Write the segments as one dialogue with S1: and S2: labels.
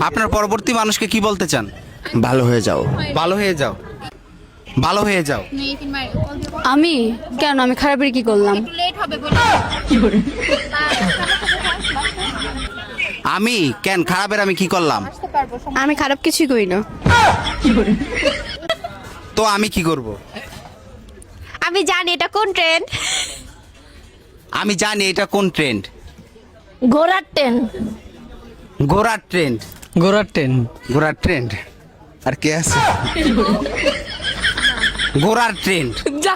S1: আপনার পরবর্তী মানুষকে কি বলতে চান?
S2: ভালো হয়ে যাও।
S1: ভালো হয়ে যাও, ভালো হয়ে যাও।
S3: আমি কেন, আমি খারাপের কি করলাম?
S1: আমি কেন খারাপের, আমি কি করলাম?
S3: আমি খারাপ কিছুই করি না।
S1: তো আমি কি করব?
S3: আমি জানি এটা কোন ট্রেন্ড।
S1: আমি জানি এটা কোন ট্রেন্ড।
S3: ঘোড়ার ট্রেন্ড।
S1: ঘোড়ার ট্রেন্ড।
S4: ঘোড়ার ট্রেন।
S1: ঘোড়ার ট্রেন্ড। আর কে আছে? ঘোড়ার ট্রেন্ড।
S4: যা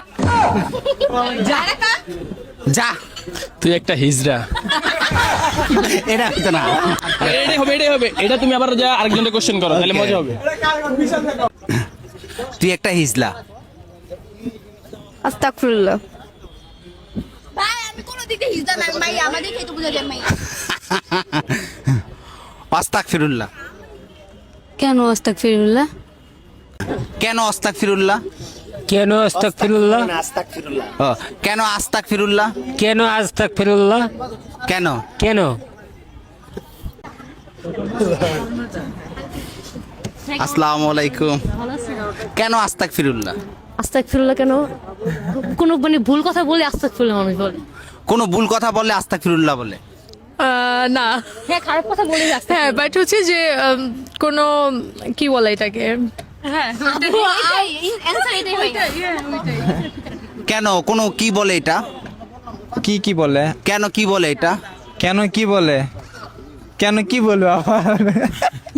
S1: যা,
S4: তুই একটা হিজড়া।
S1: এটা হতো না।
S4: এটাই হবে। এটা তুমি আবার যা আরেকজনকে কোশ্চেন করো, তাহলে
S1: Okay.
S4: মজা হবে।
S1: তুই একটা হিজলা।
S3: আস্তাগফিরুল্লাহ।
S5: ভাই আমি কোনো দিক দিয়ে হিজদা না ভাই, আমাদের খেতে বুঝা যায় ভাই।
S1: আস্তাগফিরুল্লাহ।
S3: কেন আস্তাগফিরুল্লাহ?
S1: কেন আস্তাগফিরুল্লাহ?
S6: কেন আস্তাগফিরুল্লাহ?
S1: ও, কেন আস্তাগফিরুল্লাহ?
S6: কেন আস্তাগফিরুল্লাহ?
S1: কেন?
S6: কেন?
S1: আসসালামু আলাইকুম। কেন আস্তাগফিরুল্লাহ?
S3: আস্তাগফিরুল্লাহ কেন? কোনো মানে ভুল কথা বলে আস্তাগফিরুল্লাহ মানুষ বলে।
S1: কোনো ভুল কথা বললে আস্তাগফিরুল্লাহ বলে?
S7: না,
S3: হ্যাঁ, খারাপ কথা বলে
S7: হ্যাঁ, বাট হচ্ছে যে কোনো কি বলে এটাকে, হ্যাঁ
S5: অ্যানসার এটাই ভাই।
S1: কেন, কোনো কি বলে এটা?
S2: কি বলে?
S1: কেন কি বলে এটা?
S2: কেন কি বলে? কেন কি বলবো আবার?